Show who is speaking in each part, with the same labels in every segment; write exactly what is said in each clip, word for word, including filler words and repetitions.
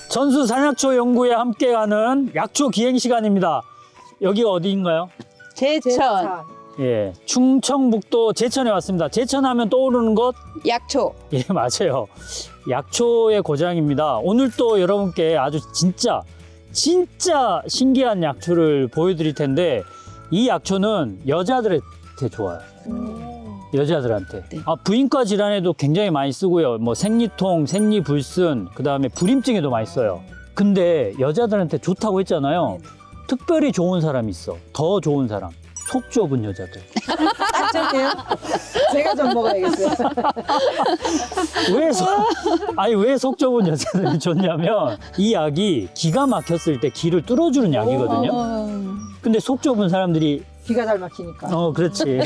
Speaker 1: 전수 산약초 연구에 함께하는 약초 기행 시간입니다. 여기가 어디인가요?
Speaker 2: 제천
Speaker 1: 예, 충청북도 제천에 왔습니다. 제천하면 떠오르는 것?
Speaker 2: 약초.
Speaker 1: 예, 맞아요. 약초의 고장입니다. 오늘 또 여러분께 아주 진짜 진짜 신기한 약초를 보여드릴 텐데 이 약초는 여자들한테 좋아요. 여자들한테.
Speaker 2: 네.
Speaker 1: 아, 부인과 질환에도 굉장히 많이 쓰고요. 뭐 생리통, 생리불순, 그 다음에 불임증에도 많이 써요. 근데 여자들한테 좋다고 했잖아요. 특별히 좋은 사람이 있어. 더 좋은 사람. 속 좁은 여자들.
Speaker 3: 딱 좋네요. 제가 좀 먹어야겠어요.
Speaker 1: 왜 속, 아니 왜 속 좁은 여자들이 좋냐면 이 약이 기가 막혔을 때 기를 뚫어주는 약이거든요.
Speaker 2: 어,
Speaker 1: 근데 속 좁은 사람들이
Speaker 3: 기가 잘 막히니까.
Speaker 1: 어 그렇지.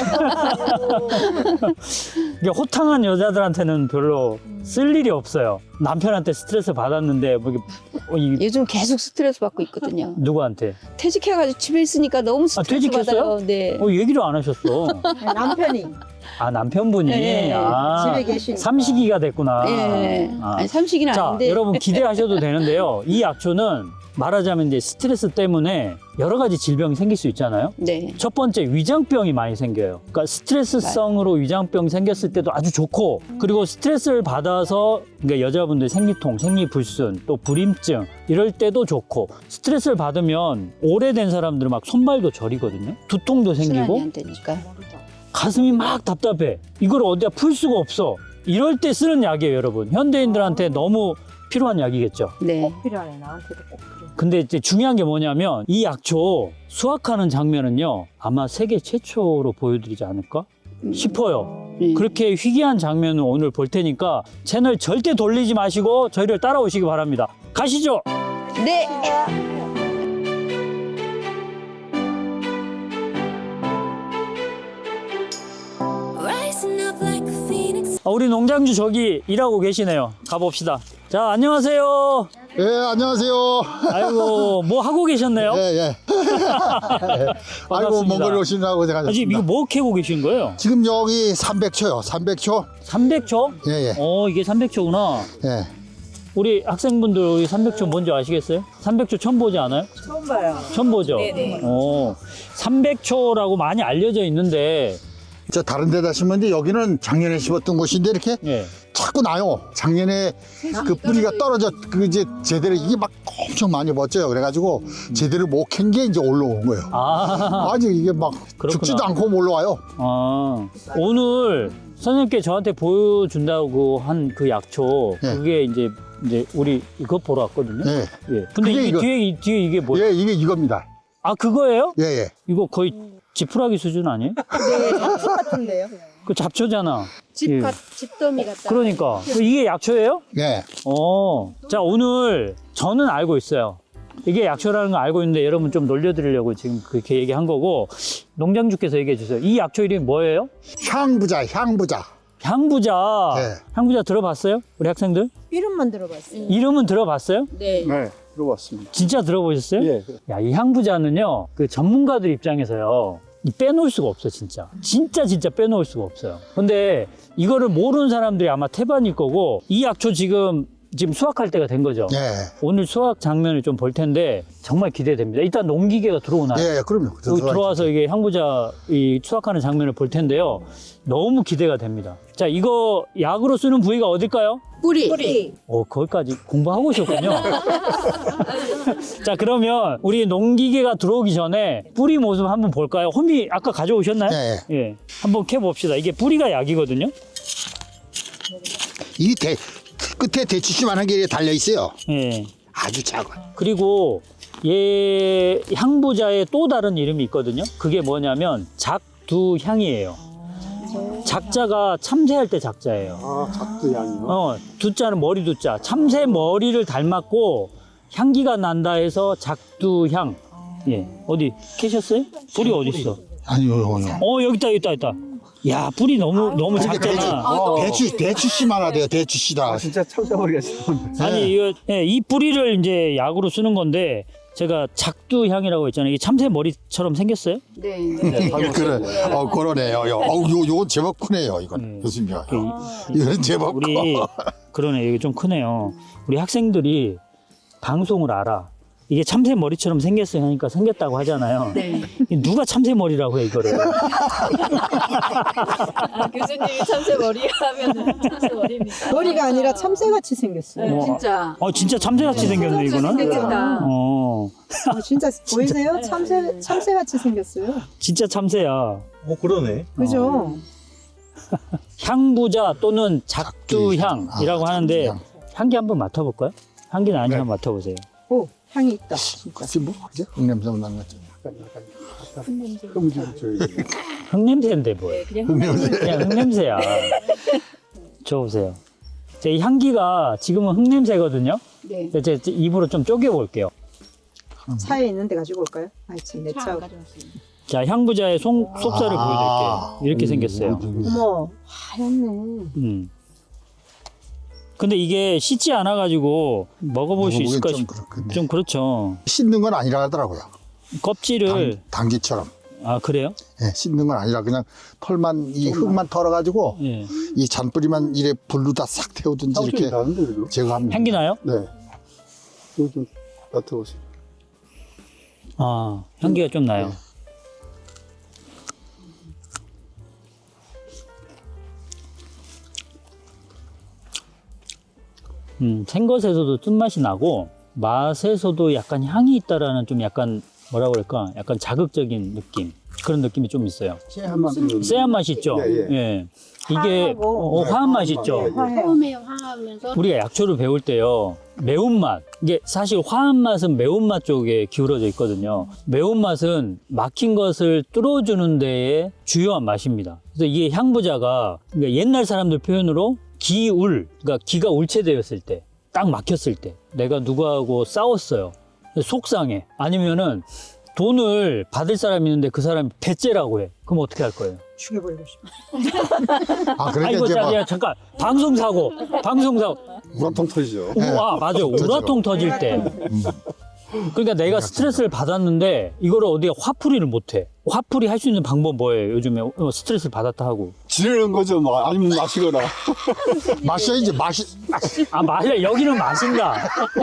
Speaker 1: 이게 호탕한 여자들한테는 별로 쓸 일이 없어요. 남편한테 스트레스 받았는데 뭐 이게 어, 이,
Speaker 2: 요즘 계속 스트레스 받고 있거든요.
Speaker 1: 누구한테?
Speaker 2: 퇴직해가지고 집에 있으니까 너무 스트레스
Speaker 1: 퇴직했어요?
Speaker 2: 받아요. 네.
Speaker 1: 어 얘기를 안 하셨어.
Speaker 3: 남편이
Speaker 1: 아 남편분이
Speaker 2: 네.
Speaker 1: 아,
Speaker 3: 집에 계시니까.
Speaker 1: 삼식이가 됐구나.
Speaker 2: 예.
Speaker 1: 아.
Speaker 2: 아니, 삼식이는
Speaker 1: 자,
Speaker 2: 아닌데.
Speaker 1: 여러분 기대하셔도 되는데요. 이 약초는 말하자면 이제 스트레스 때문에 여러 가지 질병이 생길 수 있잖아요.
Speaker 2: 네.
Speaker 1: 첫 번째 위장병이 많이 생겨요. 그러니까 스트레스성으로 위장병 생겼을 때도 아주 좋고, 그리고 스트레스를 받아서 그러니까 여자분들 생리통, 생리불순, 또 불임증 이럴 때도 좋고, 스트레스를 받으면 오래된 사람들은 막 손발도 저리거든요. 두통도
Speaker 2: 순환이
Speaker 1: 생기고
Speaker 2: 안 되니까.
Speaker 1: 가슴이 막 답답해. 이걸 어디다 풀 수가 없어. 이럴 때 쓰는 약이에요, 여러분. 현대인들한테 너무 필요한 약이겠죠.
Speaker 2: 네.
Speaker 3: 필요하네. 나한테도 꼭 필요해.
Speaker 1: 근데 이제 중요한 게 뭐냐면 이 약초 수확하는 장면은요 아마 세계 최초로 보여드리지 않을까 싶어요.
Speaker 2: 네.
Speaker 1: 그렇게 희귀한 장면을 오늘 볼 테니까 채널 절대 돌리지 마시고 저희를 따라오시기 바랍니다. 가시죠.
Speaker 2: 네.
Speaker 1: 아, 우리 농장주 저기 일하고 계시네요. 가봅시다. 자, 안녕하세요.
Speaker 4: 예, 안녕하세요.
Speaker 1: 아이고, 뭐 하고 계셨네요?
Speaker 4: 예, 예. 아이고, 먼 걸 오시느라고
Speaker 1: 아, 지금
Speaker 4: 고생하셨습니다.
Speaker 1: 이거 뭐 캐고 계신 거예요?
Speaker 4: 지금 여기 삼백 초요, 삼백 초.
Speaker 1: 삼백 초?
Speaker 4: 예, 예.
Speaker 1: 어, 이게 삼백 초구나.
Speaker 4: 예.
Speaker 1: 우리 학생분들 우리 삼백 초 뭔지 아시겠어요? 삼백 초 처음 보지 않아요?
Speaker 3: 처음 봐요.
Speaker 1: 처음 보죠? 네네. 어, 삼백 초라고 많이 알려져 있는데,
Speaker 4: 저 다른 데다 심었는데 여기는 작년에 심었던 곳인데 이렇게
Speaker 1: 예.
Speaker 4: 자꾸 나요. 작년에 그 뿌리가 떨어져, 그 이제 제대로 이게 막 엄청 많이 멋져요. 그래가지고 제대로 못 캔 게 이제 올라온 거예요.
Speaker 1: 아,
Speaker 4: 아직 이게 막
Speaker 1: 그렇구나.
Speaker 4: 죽지도 않고 올라와요.
Speaker 1: 아, 오늘 선생님께 저한테 보여준다고 한 그 약초,
Speaker 4: 예.
Speaker 1: 그게 이제, 이제 우리 이거 보러 왔거든요.
Speaker 4: 예.
Speaker 1: 예. 근데
Speaker 4: 그게
Speaker 1: 이
Speaker 4: 이거.
Speaker 1: 뒤에, 이 뒤에 이게 뭐예요?
Speaker 4: 예, 이게 이겁니다.
Speaker 1: 아, 그거예요?
Speaker 4: 예, 예.
Speaker 1: 이거 거의 지푸라기 수준 아니에요?
Speaker 3: 네, 잡초 같은데요.
Speaker 1: 그 잡초잖아.
Speaker 2: 집
Speaker 1: 예.
Speaker 2: 같, 집더미 같다.
Speaker 1: 그러니까. 이게 약초예요?
Speaker 4: 예.
Speaker 1: 어, 자, 오늘 저는 알고 있어요. 이게 약초라는 거 알고 있는데 여러분 좀 놀려드리려고 지금 그렇게 얘기한 거고, 농장주께서 얘기해 주세요. 이 약초 이름이 뭐예요?
Speaker 4: 향부자, 향부자.
Speaker 1: 향부자.
Speaker 4: 네.
Speaker 1: 향부자 들어봤어요? 우리 학생들?
Speaker 3: 이름만 들어봤어요.
Speaker 1: 이름은 들어봤어요?
Speaker 2: 네.
Speaker 5: 네, 들어봤습니다.
Speaker 1: 진짜 들어보셨어요?
Speaker 5: 예.
Speaker 1: 야, 이 향부자는요, 그 전문가들 입장에서요, 이 빼놓을 수가 없어, 진짜. 진짜, 진짜 빼놓을 수가 없어요. 근데 이거를 모르는 사람들이 아마 태반일 거고, 이 약초 지금, 지금 수확할 때가 된 거죠.
Speaker 4: 예.
Speaker 1: 오늘 수확 장면을 좀 볼 텐데, 정말 기대됩니다. 일단 농기계가 들어오나요?
Speaker 4: 예, 예, 그럼요.
Speaker 1: 여기 들어와서 이게 향부자 이 수확하는 장면을 볼 텐데요. 너무 기대가 됩니다. 자, 이거 약으로 쓰는 부위가 어딜까요?
Speaker 2: 뿌리.
Speaker 3: 뿌리.
Speaker 1: 어, 거기까지 공부하고 오셨군요. 자, 그러면 우리 농기계가 들어오기 전에 뿌리 모습 한번 볼까요? 홈이 아까 가져오셨나요?
Speaker 4: 예,
Speaker 1: 예. 한번 캐봅시다. 이게 뿌리가 약이거든요.
Speaker 4: 이 대, 끝에 대추씨만한 게 달려 있어요.
Speaker 1: 예.
Speaker 4: 아주 작아.
Speaker 1: 그리고 얘 향부자의 또 다른 이름이 있거든요. 그게 뭐냐면 작두향이에요. 작자가 참새할 때 작자예요.
Speaker 5: 아, 작두향이요?
Speaker 1: 어, 두자는 머리 두자. 참새 머리를 닮았고 향기가 난다 해서 작두향. 예. 어디 캐셨어요? 뿌리 어디 있어?
Speaker 4: 아니요, 요요.
Speaker 1: 어, 여기 있다, 여기 있다, 여기 있다. 야, 뿌리 너무 너무
Speaker 4: 대추,
Speaker 1: 작잖아.
Speaker 4: 대추, 대추씨만 하대요, 대추씨다.
Speaker 5: 아, 진짜 참새머리가 있었는데.
Speaker 1: 아니, 이거 예, 이 뿌리를 이제 약으로 쓰는 건데 제가 작두향이라고 했잖아요. 이게 참새 머리처럼 생겼어요?
Speaker 2: 네.
Speaker 4: 예, 그래, 어, 그러네요. 요, 어, 요, 요건 제법 크네요, 이건.
Speaker 1: 네.
Speaker 4: 교수님요.
Speaker 1: 그,
Speaker 4: 이거는 제법
Speaker 1: 우리
Speaker 4: 커.
Speaker 1: 그러네, 이게 좀 크네요. 우리 학생들이 방송을 알아. 이게 참새 머리처럼 생겼어요 하니까 생겼다고 하잖아요.
Speaker 2: 네.
Speaker 1: 누가 참새 머리라고 해 이거를.
Speaker 6: 아, 교수님이 참새 머리 하면은 참새 머리입니다.
Speaker 3: 머리가 아니라 참새같이 생겼어요.
Speaker 1: 뭐,
Speaker 2: 진짜.
Speaker 1: 어 진짜 참새같이 생겼네 이거는.
Speaker 2: 생겼다.
Speaker 1: 어
Speaker 3: 어, 진짜 보이세요? 참새 참새같이 생겼어요.
Speaker 1: 진짜 참새야.
Speaker 7: 어 그러네.
Speaker 3: 그죠?
Speaker 1: 향부자 또는 작두향이라고
Speaker 4: 아,
Speaker 1: 하는데
Speaker 4: 작두향.
Speaker 1: 향기 한번 맡아볼까요? 향기는 아닌지
Speaker 4: 네.
Speaker 1: 한번 맡아보세요.
Speaker 3: 오, 향이 있다.
Speaker 4: 같이 뭐 그죠? 흙냄새 나는 거죠.
Speaker 5: 흠집 저기.
Speaker 1: 흙냄새인데 뭐예요?
Speaker 6: 그냥
Speaker 4: 흙냄새.
Speaker 1: 그냥 흙냄새야. 줘보세요. 이 향기가 지금은 흙냄새거든요.
Speaker 2: 네.
Speaker 1: 제 입으로 좀 쪼개볼게요.
Speaker 3: 차에 있는데 가지고 올까요? 아이 참, 내 차.
Speaker 1: 자, 향부자의 속, 속살을
Speaker 4: 아.
Speaker 1: 보여드릴게요. 이렇게 생겼어요.
Speaker 3: 어머, 하얗네.
Speaker 1: 음. 근데 이게 씻지 않아가지고 먹어볼 수
Speaker 4: 먹어보기
Speaker 1: 있을까
Speaker 4: 좀
Speaker 1: 싶
Speaker 4: 그렇겠네.
Speaker 1: 좀 그렇죠.
Speaker 4: 씻는 건 아니라 하더라고요.
Speaker 1: 껍질을,
Speaker 4: 당, 당귀처럼.
Speaker 1: 아, 그래요?
Speaker 4: 예, 씻는 건 아니라 그냥 털만 이 흙만 털어가지고
Speaker 1: 예.
Speaker 4: 이 잔뿌리만 이래 불로다 싹 태우든지
Speaker 5: 향기
Speaker 4: 이렇게
Speaker 5: 나는데 그래도.
Speaker 4: 제거합니다.
Speaker 1: 향기 나요?
Speaker 5: 네. 이거 좀 맡아보세요.
Speaker 1: 아, 향기가 좀 나요.
Speaker 4: 네.
Speaker 1: 음, 생것에서도 쓴맛이 나고 맛에서도 약간 향이 있다라는 좀 약간 뭐라 그럴까? 약간 자극적인 느낌. 그런 느낌이 좀 있어요.
Speaker 5: 한 맛은
Speaker 1: 쎄한 맛이 있죠?
Speaker 5: 예,
Speaker 1: 예. 이게
Speaker 3: 화하고.
Speaker 1: 어, 화한 맛이 있죠?
Speaker 5: 예, 예.
Speaker 2: 처음에 화하면서
Speaker 1: 우리가 약초를 배울 때요, 매운맛. 이게 사실 화한 맛은 매운맛 쪽에 기울어져 있거든요. 매운맛은 막힌 것을 뚫어주는 데에 주요한 맛입니다. 그래서 이게 향부자가 그러니까 옛날 사람들 표현으로 기울, 그러니까 기가 울체되었을 때, 딱 막혔을 때, 내가 누구하고 싸웠어요. 속상해. 아니면은 돈을 받을 사람이 있는데 그 사람이 배째라고 해. 그럼 어떻게 할 거예요?
Speaker 3: 죽여버리고 싶어.
Speaker 4: 아, 그러니까
Speaker 1: 아이고,
Speaker 4: 이제
Speaker 1: 자,
Speaker 4: 뭐
Speaker 1: 야, 잠깐. 방송사고. 방송사고.
Speaker 5: 우라통 터지죠.
Speaker 4: 네.
Speaker 1: 아, 맞아요. 우라통 터질 때. 그러니까 내가 스트레스를 받았는데 이거를 어디에 화풀이를 못 해. 화풀이 할 수 있는 방법 뭐예요? 요즘에 어, 스트레스를 받았다 하고.
Speaker 5: 지내는 거죠. 뭐 아니면 마시거나.
Speaker 4: 마셔야지 마시.
Speaker 1: 아, 마셔. 여기는 마신다.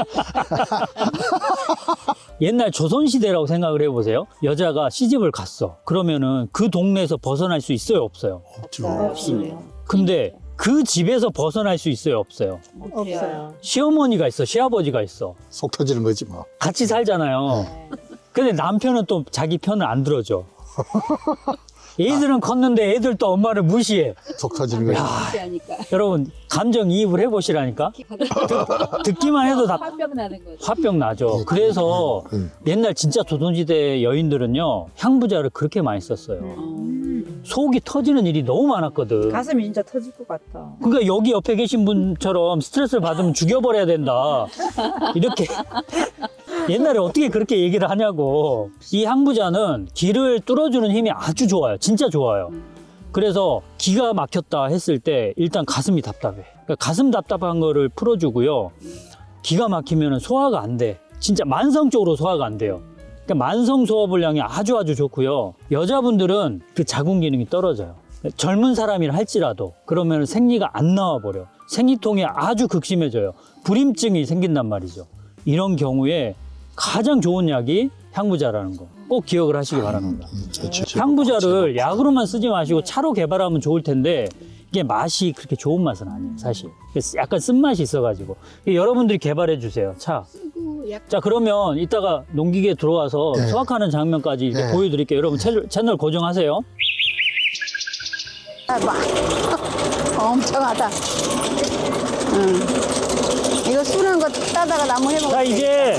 Speaker 1: 옛날 조선시대라고 생각을 해보세요. 여자가 시집을 갔어. 그러면은 그 동네에서 벗어날 수 있어요? 없어요?
Speaker 4: 없죠.
Speaker 5: 없습니다.
Speaker 1: 근데 그 집에서 벗어날 수 있어요? 없어요?
Speaker 3: 없어요.
Speaker 1: 시어머니가 있어. 시아버지가 있어.
Speaker 4: 속 터지는 거지 뭐.
Speaker 1: 같이 살잖아요. 근데 남편은 또 자기 편을 안 들어줘. 애들은 컸는데 애들 또 엄마를 무시해.
Speaker 4: 속 터지는 거지.
Speaker 2: 하니까
Speaker 1: 여러분 감정 이입을 해보시라니까. 듣, 듣기만 해도 다
Speaker 6: 화병 나는 거죠.
Speaker 1: 화병 나죠. 그래서
Speaker 4: 음.
Speaker 1: 옛날 진짜 조선시대 여인들은요 향부자를 그렇게 많이 썼어요. 속이 터지는 일이 너무 많았거든.
Speaker 3: 가슴이 진짜 터질 것 같아.
Speaker 1: 그러니까 여기 옆에 계신 분처럼 스트레스를 받으면 죽여버려야 된다. 이렇게 옛날에 어떻게 그렇게 얘기를 하냐고. 이 향부자는 기를 뚫어주는 힘이 아주 좋아요. 진짜 좋아요. 그래서 기가 막혔다 했을 때 일단 가슴이 답답해. 그러니까 가슴 답답한 거를 풀어주고요. 기가 막히면 소화가 안 돼. 진짜 만성적으로 소화가 안 돼요. 그러니까 만성 소화불량이 아주 아주 좋고요. 여자분들은 그 자궁 기능이 떨어져요. 젊은 사람이라 할지라도 그러면 생리가 안 나와버려. 생리통이 아주 극심해져요. 불임증이 생긴단 말이죠. 이런 경우에 가장 좋은 약이 향부자라는 거 꼭 기억을 하시기 바랍니다. 향부자를 약으로만 쓰지 마시고 차로 개발하면 좋을 텐데 이게 맛이 그렇게 좋은 맛은 아니에요, 사실. 약간 쓴맛이 있어가지고. 여러분들이 개발해 주세요, 차. 자, 그러면 이따가 농기계 들어와서
Speaker 4: 네.
Speaker 1: 수확하는 장면까지 이렇게
Speaker 4: 네.
Speaker 1: 보여드릴게요. 여러분 채널, 채널 고정하세요.
Speaker 2: 엄청하다. 응. 이거 수는 거 따다가 나무 해먹어.
Speaker 1: 자, 이제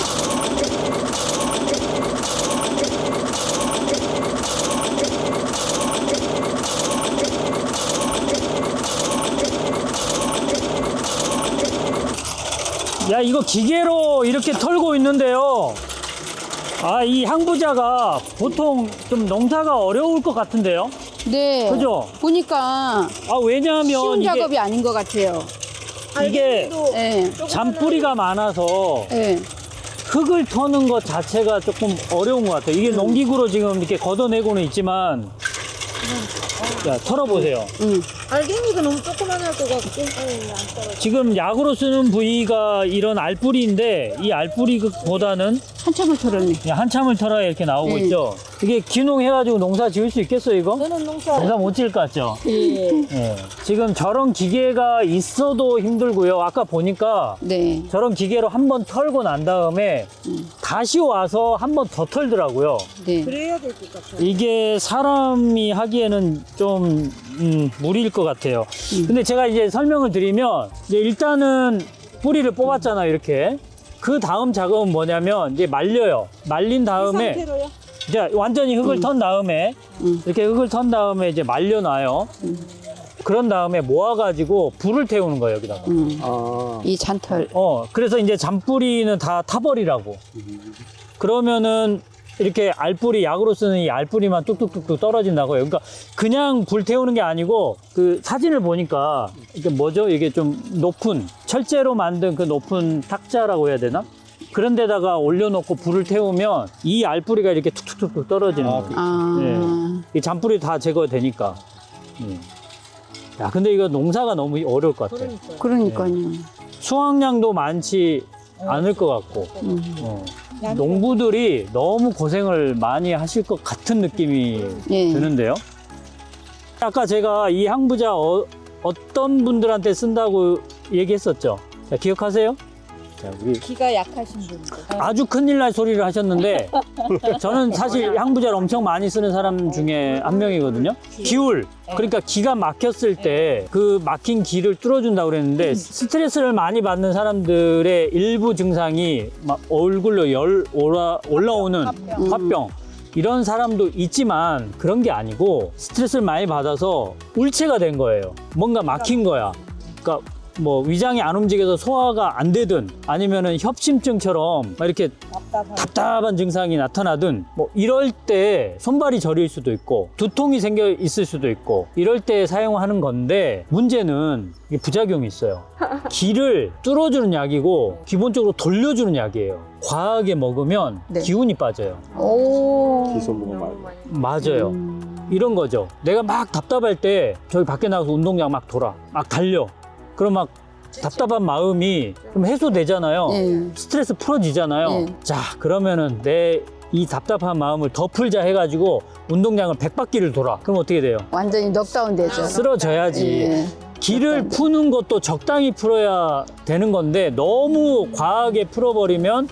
Speaker 1: 야, 이거 기계로 이렇게 털고 있는데요. 아, 이 향부자가 보통 좀 농사가 어려울 것 같은데요.
Speaker 2: 네.
Speaker 1: 그죠?
Speaker 2: 보니까
Speaker 1: 아, 왜냐하면
Speaker 2: 쉬운
Speaker 1: 이게,
Speaker 2: 작업이 아닌 것 같아요.
Speaker 1: 이게
Speaker 2: 네.
Speaker 1: 잔뿌리가 많아서
Speaker 2: 네.
Speaker 1: 흙을 터는 것 자체가 조금 어려운 것 같아요. 이게 농기구로 지금 이렇게 걷어내고는 있지만, 자, 털어보세요.
Speaker 2: 응.
Speaker 3: 알갱이가 너무 조그만할 것 같고.
Speaker 1: 지금 약으로 쓰는 부위가 이런 알뿌리인데 이 알뿌리보다는
Speaker 2: 한참을 털었네.
Speaker 1: 그냥 한참을 털어야 이렇게 나오고
Speaker 2: 네.
Speaker 1: 있죠. 이게 귀농해가지고 농사 지을 수 있겠어요, 이거?
Speaker 3: 저는 농사.
Speaker 1: 농사 못 지을 것 같죠?
Speaker 3: 예.
Speaker 1: 예. 지금 저런 기계가 있어도 힘들고요. 아까 보니까
Speaker 2: 네.
Speaker 1: 저런 기계로 한 번 털고 난 다음에 다시 와서 한 번 더 털더라고요.
Speaker 2: 네.
Speaker 3: 그래야 될 것 같아요.
Speaker 1: 이게 사람이 하기에는 좀 음, 무리일 것 같아요. 근데 제가 이제 설명을 드리면 이제 일단은 뿌리를 뽑았잖아요, 이렇게. 그 다음 작업은 뭐냐면 이제 말려요. 말린 다음에
Speaker 3: 이 상태로요?
Speaker 1: 이제 완전히 흙을 턴 다음에
Speaker 2: 음.
Speaker 1: 이렇게 흙을 턴 다음에 이제 말려놔요. 그런 다음에 모아가지고 불을 태우는 거예요, 여기다가.
Speaker 2: 음.
Speaker 5: 아,
Speaker 2: 이 잔털.
Speaker 1: 어, 그래서 이제 잔뿌리는 다 타버리라고. 그러면은 이렇게 알뿌리, 약으로 쓰는 이 알뿌리만 뚝뚝뚝뚝 떨어진다고요. 그러니까 그냥 불 태우는 게 아니고 그 사진을 보니까 이게 뭐죠? 이게 좀 높은, 철제로 만든 그 높은 탁자라고 해야 되나? 그런 데다가 올려놓고 불을 태우면 이 알뿌리가 이렇게 툭툭툭툭 떨어지는 거예요.
Speaker 2: 아.
Speaker 1: 이 잔뿌리 다 제거되니까. 음. 야, 근데 이거 농사가 너무 어려울 것 같아.
Speaker 2: 그러니까요.
Speaker 1: 수확량도 많지 않을 것 같고.
Speaker 2: 음.
Speaker 1: 어. 농부들이 너무 고생을 많이 하실 것 같은 느낌이
Speaker 2: 예.
Speaker 1: 드는데요. 아까 제가 이 향부자 어, 어떤 분들한테 쓴다고 얘기했었죠. 자, 기억하세요? 자, 우리
Speaker 6: 기가 약하신 분들.
Speaker 1: 아주 큰일 날 소리를 하셨는데 저는 사실 향부자를 엄청 많이 쓰는 사람 중에 한 명이거든요. 기울, 그러니까 기가 막혔을 때 그 막힌 기를 뚫어준다고 그랬는데 스트레스를 많이 받는 사람들의 일부 증상이 막 얼굴로 열 올라, 올라오는 화병 이런 사람도 있지만 그런 게 아니고 스트레스를 많이 받아서 울체가 된 거예요. 뭔가 막힌 거야. 그러니까 뭐 위장이 안 움직여서 소화가 안 되든 아니면은 협심증처럼 막 이렇게 답답한 증상이 나타나든 뭐 이럴 때 손발이 저릴 수도 있고 두통이 생겨 있을 수도 있고 이럴 때 사용하는 건데 문제는 이게 부작용이 있어요. 기를 뚫어주는 약이고 기본적으로 돌려주는 약이에요. 과하게 먹으면
Speaker 2: 네.
Speaker 1: 기운이 빠져요.
Speaker 2: 오.
Speaker 5: 기소모가 말고.
Speaker 1: 맞아요.
Speaker 2: 음.
Speaker 1: 이런 거죠. 내가 막 답답할 때 저기 밖에 나가서 운동장 막 돌아, 막 달려. 그럼 막 답답한 마음이 좀 해소되잖아요.
Speaker 2: 예.
Speaker 1: 스트레스 풀어지잖아요.
Speaker 2: 예.
Speaker 1: 자, 그러면은 내 이 답답한 마음을 더 풀자 해가지고 운동장을 백 바퀴를 돌아. 그럼 어떻게 돼요?
Speaker 2: 완전히 넉다운 되죠.
Speaker 1: 쓰러져야지.
Speaker 2: 예.
Speaker 1: 기를 푸는 것도 적당히 풀어야 되는 건데 너무 과하게 풀어버리면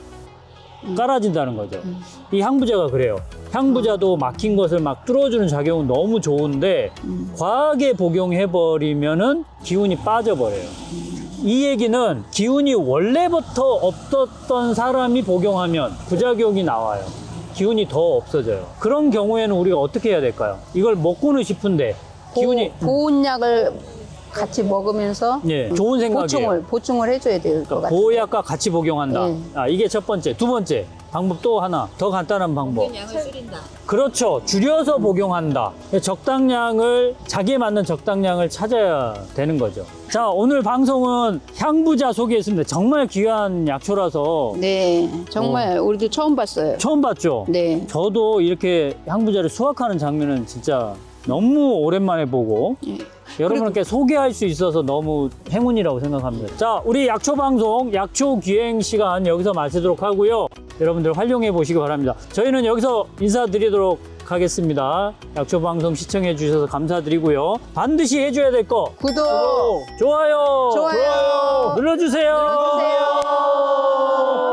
Speaker 1: 깔아진다는 거죠. 이 향부자가 그래요. 향부자도 막힌 것을 막 뚫어주는 작용은 너무 좋은데 과하게 복용해버리면은 기운이 빠져버려요. 이 얘기는 기운이 원래부터 없었던 사람이 복용하면 부작용이 나와요. 기운이 더 없어져요. 그런 경우에는 우리가 어떻게 해야 될까요? 이걸 먹고는 싶은데 기운이
Speaker 2: 보, 보온약을 같이 먹으면서
Speaker 1: 예, 좋은 생각이에요.
Speaker 2: 보충을 보충을 해줘야 될 것 같아요.
Speaker 1: 보약과 같이 복용한다.
Speaker 2: 네.
Speaker 1: 아, 이게 첫 번째. 두 번째 방법 또 하나 더 간단한 방법.
Speaker 6: 양을 줄인다.
Speaker 1: 그렇죠. 줄여서 복용한다. 적당량을 자기에 맞는 적당량을 찾아야 되는 거죠. 자, 오늘 방송은 향부자 소개했습니다. 정말 귀한 약초라서
Speaker 2: 네, 정말 우리도 처음 봤어요.
Speaker 1: 처음 봤죠.
Speaker 2: 네.
Speaker 1: 저도 이렇게 향부자를 수확하는 장면은 진짜 너무 오랜만에 보고
Speaker 2: 예.
Speaker 1: 여러분께 소개할 수 있어서 너무 행운이라고 생각합니다. 자, 우리 약초 방송 약초 기행 시간 여기서 마치도록 하고요. 여러분들 활용해 보시기 바랍니다. 저희는 여기서 인사드리도록 하겠습니다. 약초 방송 시청해 주셔서 감사드리고요. 반드시 해줘야 될 거
Speaker 2: 구독,
Speaker 1: 좋아요,
Speaker 2: 좋아요.
Speaker 1: 눌러주세요.
Speaker 2: 눌러주세요.